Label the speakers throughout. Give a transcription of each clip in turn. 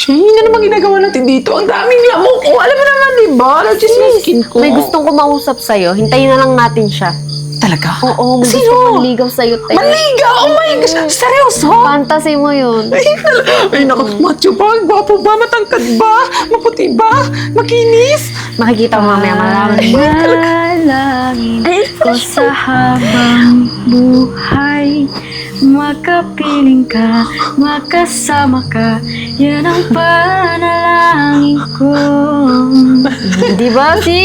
Speaker 1: Shane, ano naman ginagawa natin dito? Ang daming lamok. Oh, alam mo naman, diba? Allergies yung skin ko.
Speaker 2: May gustong kumausap sa'yo. Hintayin na lang natin siya.
Speaker 1: Talaga?
Speaker 2: Oo, may
Speaker 1: Sino?
Speaker 2: gustong manligaw sa'yo, te.
Speaker 1: Manligaw? Oh my gosh! Seryoso?
Speaker 2: Fantasy mo yun.
Speaker 1: Ay, naku, macho ba? Gwapo ba? Matangkad ba? Maputi ba? Makinis?
Speaker 2: Makikita mo mamaya marami.
Speaker 3: Manalangin ko sa habang buhay. Makapiling ka, makasama ka. Yan ang panalangin ko.
Speaker 2: Di ba, si?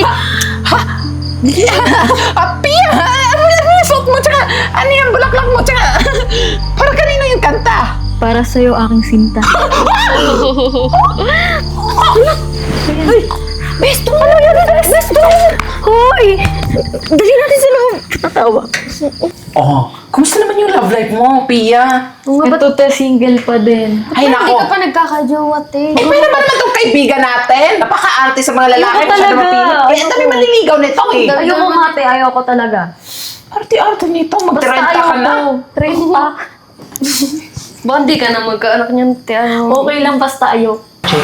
Speaker 1: Apia! Ano yung suot mo? Tsaka, ano yung bulaklak mo? Tsaka, para kanina yung kanta.
Speaker 3: Para sa'yo aking sinta.
Speaker 1: Ay, besto! Ano yun? Besto!
Speaker 3: Hoy! Dali natin sa loob. Tatawa.
Speaker 1: Oh, kumusta naman yung love life mo, Pia?
Speaker 3: Ito te, single pa din.
Speaker 1: Ay,
Speaker 2: Hindi
Speaker 1: nako.
Speaker 2: ka pa nagkakajowa, te.
Speaker 1: Eh, pwede naman itong kaibigan natin. Napaka-arte sa mga lalaki.
Speaker 3: Ayoko talaga.
Speaker 1: Kaya ang dami manliligaw nito eh.
Speaker 3: Ayoko nga te, ayoko talaga.
Speaker 1: Arte-arte nito.
Speaker 3: Basta
Speaker 1: Magtrenta ka
Speaker 3: ayoko.
Speaker 1: na.
Speaker 3: Trenta.
Speaker 2: Bandi ka na magkaanak niyan, te. Ano?
Speaker 3: Okay lang, basta ayoko.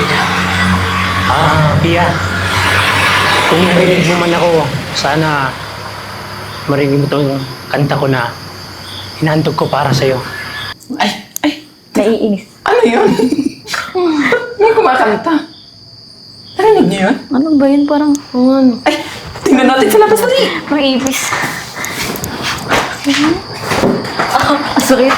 Speaker 4: Pia, kung narinig mo man ako, sana marinig mo itong kanta ko na hinahantog ko para sa'yo.
Speaker 1: Ay,
Speaker 3: Naiinis.
Speaker 1: ano yun? May kumakanta. Narinig niyo yun?
Speaker 3: Ano ba yun? Parang,
Speaker 1: Ay, tingnan natin sa labas dali.
Speaker 3: parang ipis. Sakit.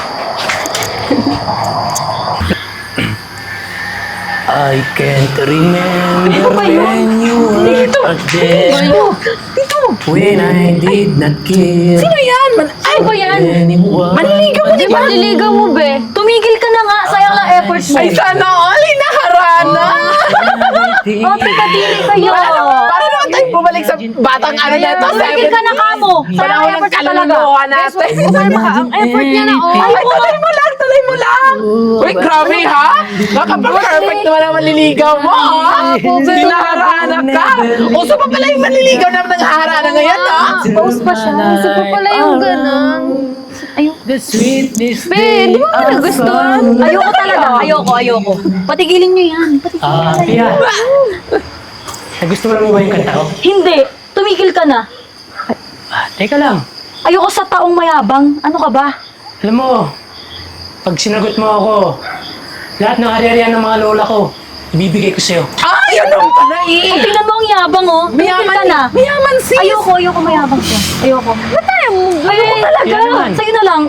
Speaker 4: I can't remember
Speaker 3: Ito ba yun?
Speaker 4: when you were there, when I did not care
Speaker 1: Sino yan? Ay,
Speaker 3: Ano ba yan?
Speaker 4: anyone.
Speaker 1: manliligaw mo, di ba?
Speaker 3: Manliligaw mo, be. Tumigil ka na nga. Sayang lang efforts mo.
Speaker 1: Ay, sana all. Hinaharana.
Speaker 3: Oh, taga-dili kayo.
Speaker 1: Para naman tayo bumalik sa batang ano na ito.
Speaker 3: Tumigil ka na kamo. Sayang
Speaker 1: Panahon ng
Speaker 3: efforts mo talaga.
Speaker 1: kaluluwa natin.
Speaker 2: Ang effort niya na, oh.
Speaker 1: Ay, tuloy mo lang, tuloy mo lang. Uy, grabe ha? Nakapag-perfect naman ang manliligaw mo, ha? Hinaharana ka. Uso pa pala yung manliligaw na nangaharana ngayon, ha?
Speaker 3: Post pa siya.
Speaker 2: Isa pa pala yung ganun.
Speaker 4: The sweetest
Speaker 2: Be, di mo ba nagustuhan?
Speaker 3: Ayoko talaga. Ayoko. Patigilin nyo yan.
Speaker 4: Pia, nagustuhan mo ba yung kanta ko?
Speaker 3: Hindi. Tumigil ka na.
Speaker 4: Teka lang,
Speaker 3: Ayoko sa taong mayabang. Ano ka ba?
Speaker 4: alam mo, pag sinagot mo ako, lahat ng ari-arian ng mga lola ko, ibibigay ko sa'yo.
Speaker 1: Ah, yun naman pala eh.
Speaker 3: Tingnan mo ang yabang, oh. Tumigil ka na.
Speaker 1: Mayaman sis.
Speaker 3: Ayoko mayabang siya. Ayoko. Ayoko talaga.
Speaker 4: Yan naman.
Speaker 3: Sa'yo na lang.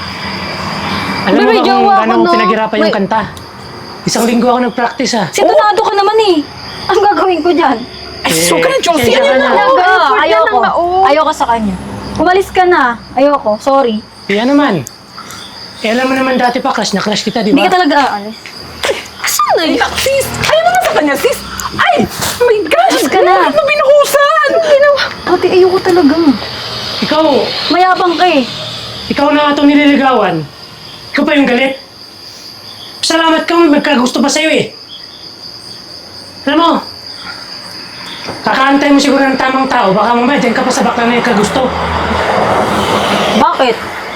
Speaker 4: Alam mo
Speaker 2: May
Speaker 4: ba
Speaker 2: jowa
Speaker 4: kung
Speaker 2: ako,
Speaker 4: gano'ng
Speaker 2: no?
Speaker 4: pinaghirapan yung kanta? Isang linggo ako nag-practice
Speaker 3: Sintonado ka naman eh. Ang gagawin ko dyan?
Speaker 1: Ay, so ka na, Josie.
Speaker 4: Kaya
Speaker 1: Ano
Speaker 4: ka
Speaker 1: na?
Speaker 4: na.
Speaker 3: Talaga.
Speaker 2: effort yan
Speaker 3: Ayoko.
Speaker 2: ang naong.
Speaker 3: Ayoko sa kanya. Umalis ka na. Ayoko. Sorry.
Speaker 4: Kaya naman. Eh, alam mo naman dati pa, crush na crush kita, di
Speaker 3: Hindi
Speaker 4: ba?
Speaker 3: ka talaga aalis.
Speaker 1: Saan na yun? Sis, ayaw naman sa kanya, sis. Ay, oh my gosh.
Speaker 3: Sis ka na.
Speaker 1: Bakit mo binuhusan?
Speaker 3: Ate, ayoko talaga.
Speaker 4: Ikaw,
Speaker 3: Mayabang ka eh.
Speaker 4: ikaw na nga itong nililigawan. Ikaw pa yung galit. Salamat ka, may magkagusto pa sa'yo eh. Alam mo, kakaantay mo siguro ng tamang tao, baka mamaya dyan ka pa sa bakla na yung kagusto.
Speaker 3: Bakit?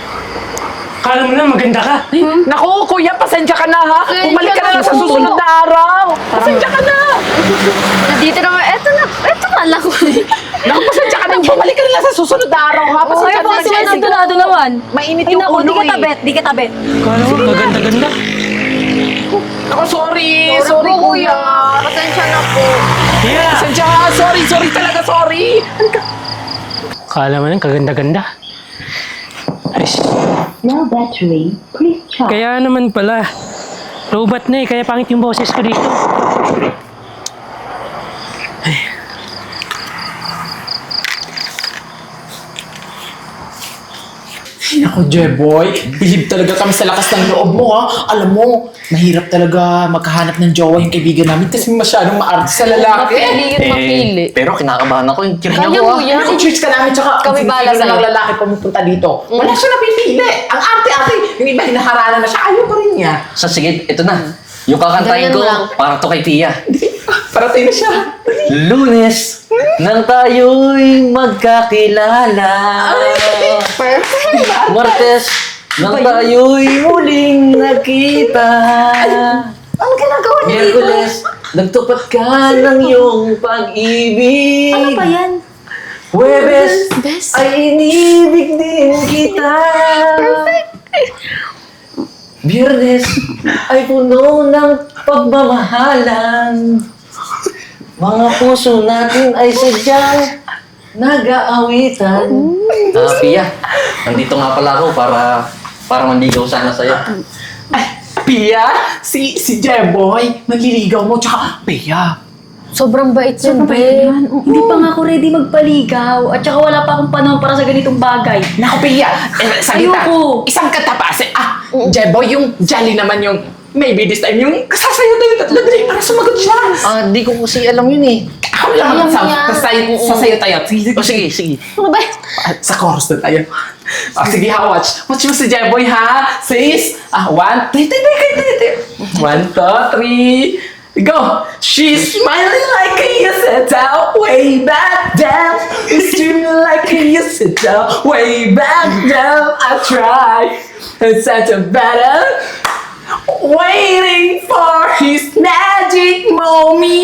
Speaker 4: Kala mo na maganda ka.
Speaker 1: Naku, kuya, pasensya ka na ha.
Speaker 2: Pasensya
Speaker 1: Bumalik ka na
Speaker 2: na
Speaker 1: lang sa
Speaker 2: po.
Speaker 1: susunod na araw. Pasensya ka na.
Speaker 2: Dito naman, eto na lang.
Speaker 1: Naku, pasensya ka na. Bumalik ka na lang sa susunod na araw ha. Pasensya
Speaker 3: Ay,
Speaker 1: ka na,
Speaker 3: bakit sila
Speaker 1: Jessie.
Speaker 3: sintonado naman?
Speaker 1: Mainit
Speaker 3: Ay,
Speaker 1: yung
Speaker 3: naku,
Speaker 1: ulo
Speaker 3: di ka
Speaker 1: eh.
Speaker 3: tabet. Di ka tabet.
Speaker 4: Kala mo, kaganda-ganda.
Speaker 1: Naku, sorry. Sorry, kuya.
Speaker 2: Pasensya na po.
Speaker 4: Yeah!
Speaker 1: Pasensya ka. Sorry talaga, sorry.
Speaker 4: Kala mo lang, kaganda-ganda. Aris.
Speaker 5: No battery. Please charge.
Speaker 4: Kaya naman pala, robot na eh, kaya pangit yung boses ko dito.
Speaker 1: Naku, Jeboy, bilib talaga kami sa lakas ng loob mo, ha? Alam mo, mahirap talaga magkahanap ng jowa yung kaibigan namin kasi masyadong maarte sa lalaki.
Speaker 2: Mapili.
Speaker 6: Pero kinakabahan ako yung kiring
Speaker 2: Kaya
Speaker 6: ako
Speaker 2: mo
Speaker 6: ah.
Speaker 2: yan.
Speaker 1: Naku, church ka namin, tsaka
Speaker 2: Kami
Speaker 1: ang
Speaker 2: bahala
Speaker 1: sino
Speaker 2: sa'yo.
Speaker 1: ng lalaki pumupunta dito. Wala siya napipili. Ang arte-arte, yung iba hinaharana na siya, ayaw pa rin niya.
Speaker 6: So sige, ito na. Yung kakantahin
Speaker 2: Ganyan
Speaker 6: ko
Speaker 2: lang.
Speaker 6: para to kay Pia.
Speaker 1: Parating na siya.
Speaker 6: Lunes, nang tayo'y magkakilala.
Speaker 1: Perfect.
Speaker 6: Martes, nang tayo'y muling nakita.
Speaker 2: Ano ginagawa niya dito?
Speaker 6: Miyerkules, nagtupad ka ng iyong pag-ibig.
Speaker 3: Ano ba yan?
Speaker 6: Huwebes, ay inibig din kita. Biyernes, ay puno ng pagmamahalan. Mga puso natin ay sadyang nag-aawitan. Pia, nandito nga pala ako para manligaw sana sa'yo.
Speaker 1: Pia, si Jeboy, manliligaw mo, tsaka Pia.
Speaker 2: Sobrang bait yun, be.
Speaker 3: Hindi pa nga ako ready magpaligaw. At saka wala pa akong panahon para sa ganitong bagay.
Speaker 1: Naku, Pia, salita.
Speaker 3: Ayoko.
Speaker 1: Isang katapasin. Jeboy, yung jolly naman yung maybe this time yung sasayo tayo tatlo dali para sumagot siya.
Speaker 6: Di ko kasi alam yun eh.
Speaker 1: Ako lang
Speaker 2: Alam mo yan.
Speaker 1: sasayo tayo. Sige,
Speaker 6: Sige.
Speaker 2: Ano ba?
Speaker 1: Sa chorus na tayo. Sige ha, watch. Watch mo si Jeboy ha. Sis. 1, 2, 3. 1, 2, 3. Go! She's smiling like a yesterday, way back down. It's dreaming like a yesterday, way back down. I tried, it's such a better. Waiting for his magic moment.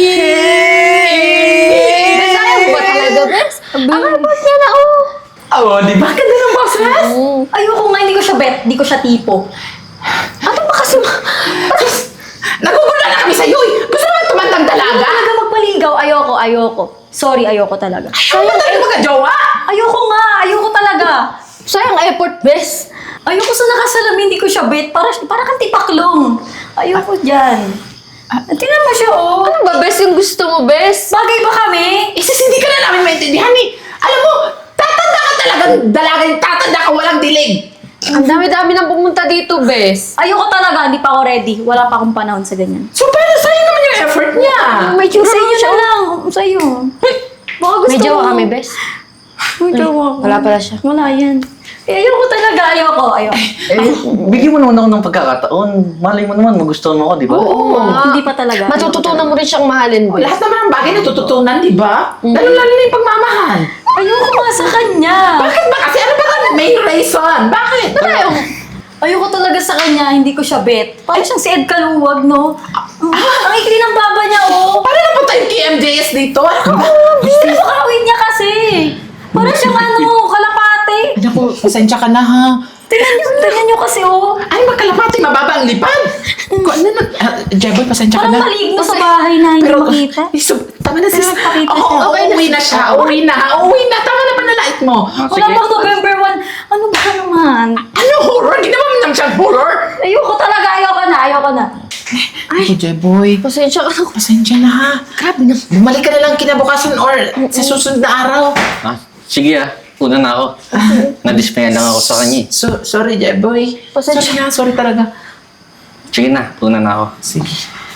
Speaker 2: Bisaya mo ba talaga, bes? Ang boses niya na, oh.
Speaker 1: Oh, di ba? Ganda ng boses?
Speaker 3: Ayoko nga, hindi ko siya bet. Hindi ko siya tipo.
Speaker 2: Ano ba kasi
Speaker 1: Nagugulo na kami sa'yo eh. Gusto naman tumandang dalaga?
Speaker 3: Talaga magpaligaw. Ayoko. Sorry, ayoko talaga.
Speaker 1: Ayaw mo tayo magka-jowa?
Speaker 3: Ayoko nga. Ayoko talaga.
Speaker 2: sayang effort, bes?
Speaker 3: Ayoko sa nakasalamin, hindi ko siya bet. Para kang tipaklong. Ayoko dyan. Tingnan mo siya, oh.
Speaker 2: Ano ba, bes, yung gusto mo, bes?
Speaker 3: Bagay ba kami?
Speaker 1: Isis, hindi ka na namin maintindihan eh. Alam mo, tatanda ka talagang dalaga yung tatanda ka walang dilig.
Speaker 2: Ang dami-dami nang pumunta dito, bes.
Speaker 3: Ayoko talaga, hindi pa ako ready. Wala pa akong panahon sa ganyan.
Speaker 1: So, paano sa'yo naman yung effort niya?
Speaker 2: May tsura
Speaker 3: Sa
Speaker 2: naman
Speaker 3: iyo
Speaker 2: siya.
Speaker 3: na lang. Sa iyo. Baka gusto
Speaker 2: May jowa
Speaker 3: mo.
Speaker 2: kami, bes.
Speaker 3: May jowa ko.
Speaker 2: Wala pala siya.
Speaker 3: Wala yan. Ayoko talaga. Ayoko.
Speaker 6: Bigyan mo naman ako ng pagkakataon. Malay mo naman, magustuhan mo ako, di ba?
Speaker 3: Oo. Hindi pa talaga.
Speaker 2: Matututunan mo rin siyang mahalin, bes.
Speaker 1: Lahat naman ng bagay natututunan, di ba? Lalo-lalo na yung pagmamahal.
Speaker 3: Ayoko nga sa kanya.
Speaker 1: Bakit ba? Kasi ano ba ang main reason? Bakit?
Speaker 3: Ayoko talaga sa kanya. Hindi ko siya bet. Parang siyang si Ed Kaluwag, no? Ang ikli ng baba niya, oh.
Speaker 1: Paano napunta yung KMJS dito?
Speaker 3: Gusto ko kawin niya kasi. Parang siyang kalapate.
Speaker 1: Naku, pasensya ka na ha.
Speaker 3: Tingnan niyo kasi, oh.
Speaker 1: Ay, magkalapati, mababa ang lipad. Kung ano na, Jeboy, pasensya ka
Speaker 3: Parang
Speaker 1: na.
Speaker 3: maligno sa bahay na hindi makita.
Speaker 1: Tama na sis.
Speaker 3: Pero nagpakita
Speaker 1: Oo,
Speaker 3: siya.
Speaker 1: uuwi na siya. Uuwi na. Tama na panalait mo.
Speaker 3: Wala pang November 1. Ano ba naman?
Speaker 1: Ano horror? Ginawa mo naman siyang horror?
Speaker 3: Ayoko talaga. Ayoko na.
Speaker 1: Ay, Jeboy.
Speaker 2: Pasensya ka na.
Speaker 1: Pasensya na ha.
Speaker 2: Grabe na.
Speaker 1: Bumalik ka na lang kinabukasan or sa susunod na araw.
Speaker 6: Sige una na ako. Nadismayan lang ako sa kanya eh.
Speaker 1: Sorry, Jeboy.
Speaker 2: Pasensya.
Speaker 1: Sorry talaga.
Speaker 6: Sige na, una na ako.
Speaker 1: Sige.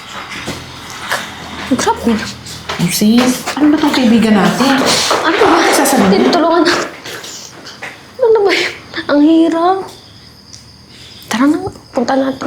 Speaker 2: Grabe na.
Speaker 1: Sis, ano ba itong kaibigan natin?
Speaker 2: Ano ba?
Speaker 1: Sasabihin?
Speaker 2: Tinutulungan na. Ano ba yun? Ang hirap. Tara na, punta natin.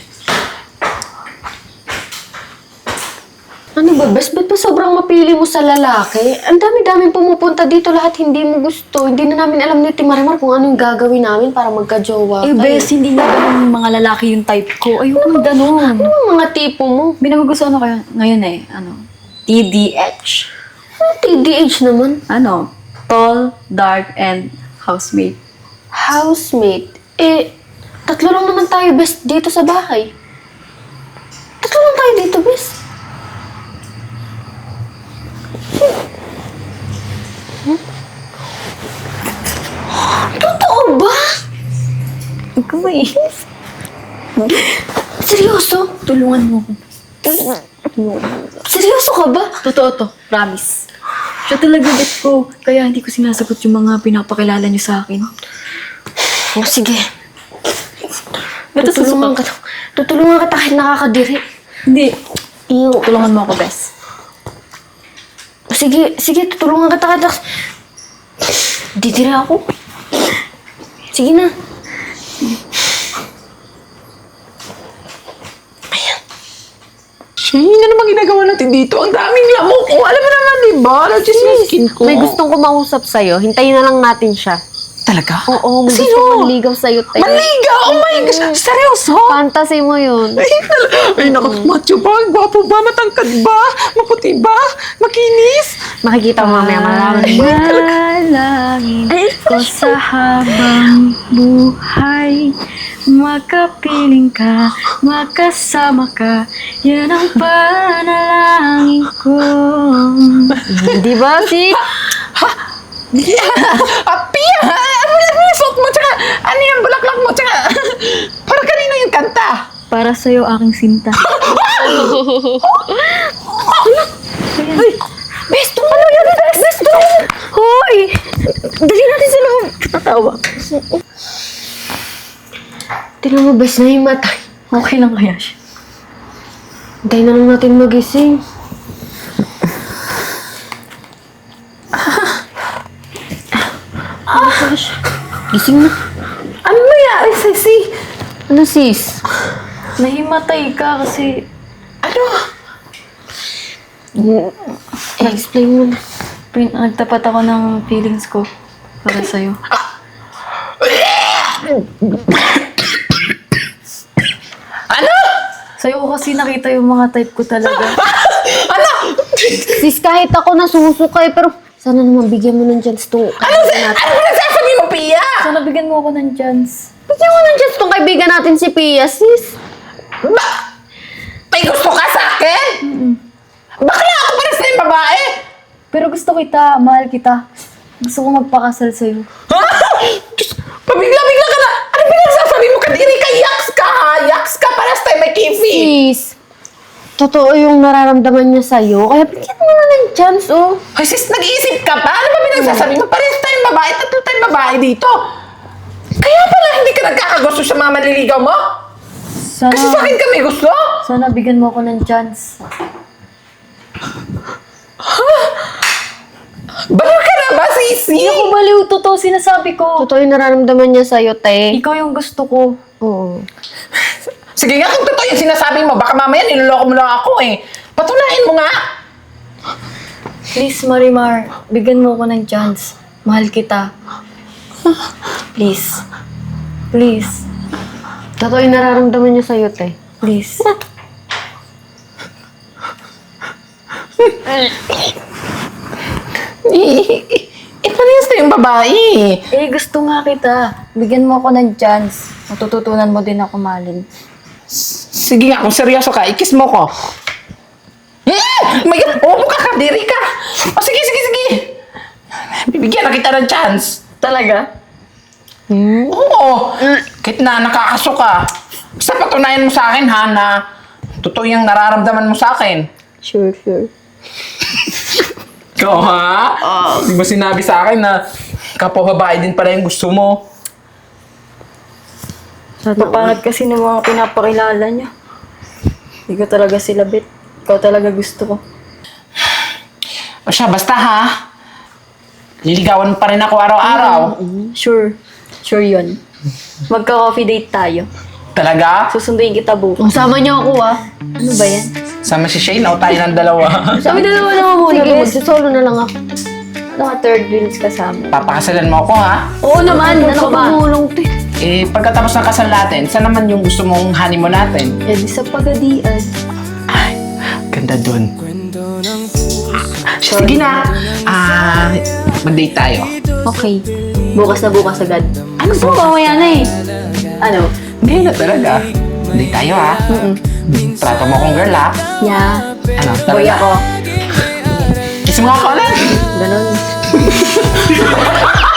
Speaker 2: Ano ba, bes? Ba't ba sobrang mapili mo sa lalaki? Ang dami-daming pumupunta dito, lahat hindi mo gusto. Hindi na namin alam ni Marimar kung ano yung gagawin namin para magka-jowa
Speaker 3: Eh,
Speaker 2: kayo.
Speaker 3: bes, hindi na ganun mga lalaki yung type ko. Ayoko na ganun.
Speaker 2: Ano ang mga tipo mo?
Speaker 3: Binagugustuhan ko ngayon eh. TDH.
Speaker 2: Ano TDH naman?
Speaker 3: Tall, dark, and housemate.
Speaker 2: Housemate. Tatlo lang naman tayo, bes, dito sa bahay. Tatlo lang tayo dito, bes. Totoo ba?
Speaker 3: Ikaw eh.
Speaker 2: Seryoso?
Speaker 3: Tulungan mo ko.
Speaker 2: Seryoso ka ba?
Speaker 3: Totoo to. Promise. Siya talaga bet ko. Kaya hindi ko sinasagot yung mga pinapakilala niyo sa akin.
Speaker 2: Oh, sige.
Speaker 3: Tutulungan
Speaker 2: ka. Tutulungan ka kahit nakakadiri.
Speaker 3: Hindi.
Speaker 2: Iyo.
Speaker 3: Tulungan mo ako, bes.
Speaker 2: Sige, tutulungan ka kahit didiri ako. Sige na.
Speaker 1: Shane, ano naman ginagawa natin dito? Ang daming lamok. Alam mo naman, di ba? Just yung skin ko.
Speaker 2: May gustong kumausap sa'yo. Hintayin na lang natin siya.
Speaker 1: talaga?
Speaker 2: Oo, gusto
Speaker 1: Sino?
Speaker 2: manligaw sa'yo, te.
Speaker 1: Manligaw! Oh my gosh! Seryoso?
Speaker 2: Fantasy mo yun.
Speaker 1: Ay, naku, macho ba? Gwapo ba? Matangkad ba? Maputi ba? Makinis?
Speaker 2: Makikita mo mamaya malaman mo.
Speaker 3: Panalangin ko sa habang buhay. Makapiling ka, makasama ka. Yan ang panalangin ko.
Speaker 2: Di ba, sis?
Speaker 1: Pia! Ano yung suot mo? Tsaka, ano yung bulaklak mo? Tsaka, para kanino yung kanta?
Speaker 3: Para sa'yo aking sinta.
Speaker 2: Besto! Ano yun? Besto! Hoy! Dali natin sa loob. Tatawa. Tingnan mo, bes, nahimatay.
Speaker 3: Okay lang kaya siya?
Speaker 2: Hintayin na lang natin magising. Gising na.
Speaker 3: Ano nangyari, Ceci?
Speaker 2: Ano, sis?
Speaker 3: Nahimatay ka kasi
Speaker 2: Explain mo na.
Speaker 3: nagtapat ako ng feelings ko para sa'yo.
Speaker 1: Ano?
Speaker 3: Sa'yo ko kasi nakita yung mga type ko talaga.
Speaker 1: Ano?
Speaker 2: Sis, kahit ako nasusukay, pero sana naman bigyan mo ng chance to.
Speaker 1: Ano nagsasabi mo, Pia?
Speaker 3: Sana bigyan mo ako ng chance.
Speaker 2: Bigyan mo ng chance tong kaibigan natin si Pia, sis.
Speaker 1: Ba? May gusto ka sa akin? Bakla ako pares na yung babae?
Speaker 3: Pero gusto kita, mahal kita. Gusto ko magpakasal sa'yo.
Speaker 1: Ha? Diyos, pabigla-bigla ka na. Ano pinagsasabi mo? Kadiri ka, yaks ka ha? Yaks ka, pares tayo may kifi.
Speaker 2: Sis, totoo yung nararamdaman niya sa'yo, kaya bigyan mo na ng chance, oh.
Speaker 1: Ay sis, nag-iisip ka pa? Ano ba pinagsasabi mo? Pares tayong babae, tatlo tayong babae dito. Kaya pala hindi ka nagkakagusto sa mga manliligaw mo? Kasi sa akin ka may gusto?
Speaker 3: Sana bigyan mo ako ng chance.
Speaker 1: Baliw ka na ba, sisi?
Speaker 3: Hindi ako baliw, totoo sinasabi ko.
Speaker 2: Totoo yung nararamdaman niya sa'yo, te.
Speaker 3: Ikaw yung gusto ko.
Speaker 2: Oo.
Speaker 1: Sige nga, kung totoo yung sinasabi mo, baka mamaya niloloko mo lang ako eh. Patunayan mo nga.
Speaker 3: Please, Marimar, bigyan mo ako ng chance. Mahal kita. Please. Please.
Speaker 2: Totoo yung nararamdaman niya sa'yo, te.
Speaker 3: Please.
Speaker 1: Ipanis na yung babae.
Speaker 3: Eh, gusto nga kita. Bigyan mo ako ng chance. Matututunan mo din ako mahalin.
Speaker 1: Sige nga, kung seryoso ka, ikis mo ko. May upo ka, kadiri ka. O sige, sige, sige. Bibigyan na kita ng chance.
Speaker 3: Talaga?
Speaker 1: Oo. Kahit na nakakaso ka. Basta patunayan mo sa akin ha, na totoo yung nararamdaman mo sa akin.
Speaker 3: Sure, sure.
Speaker 1: Ikaw ha? Di mo sinabi sa akin na kapwa babae din pala yung gusto mo.
Speaker 3: Papangat kasi ng mga pinapakilala niya. Hindi ko talaga sila bet. Ikaw talaga gusto ko.
Speaker 1: O siya, basta ha. Liligawan mo pa rin ako araw-araw.
Speaker 3: Sure. Sure yun. Magka-coffee date tayo.
Speaker 1: Talaga?
Speaker 3: Susunduin kita bukas.
Speaker 2: Sama niyo ako, ah.
Speaker 3: Ano ba yan?
Speaker 1: Sama si Shane o tayo ng dalawa?
Speaker 3: Sabi dalawa naman muna,
Speaker 2: Sige,
Speaker 3: bes.
Speaker 2: magsisolo na lang ako.
Speaker 3: Ano ka third wheels kasama?
Speaker 1: Papakasalan mo ako ha?
Speaker 3: Oo naman, ano ka ba?
Speaker 2: Tumulong, te.
Speaker 1: Eh, pagkatapos ng kasal natin, saan naman yung gusto mong honeymoon natin?
Speaker 3: Eh, di sa pagadian.
Speaker 1: Ay, ganda dun. Sige na. Mag-date tayo.
Speaker 3: Okay. Bukas na bukas agad.
Speaker 1: Ano
Speaker 3: Gusto mo mamaya na eh. Ano?
Speaker 1: Hindi na talaga. Date tayo ha? Trato mo akong girl ha?
Speaker 3: Yeah.
Speaker 1: Ano?
Speaker 3: Boy
Speaker 1: Talaga?
Speaker 3: ako.
Speaker 1: Kiss mo nga ako ulit.
Speaker 3: Ganon.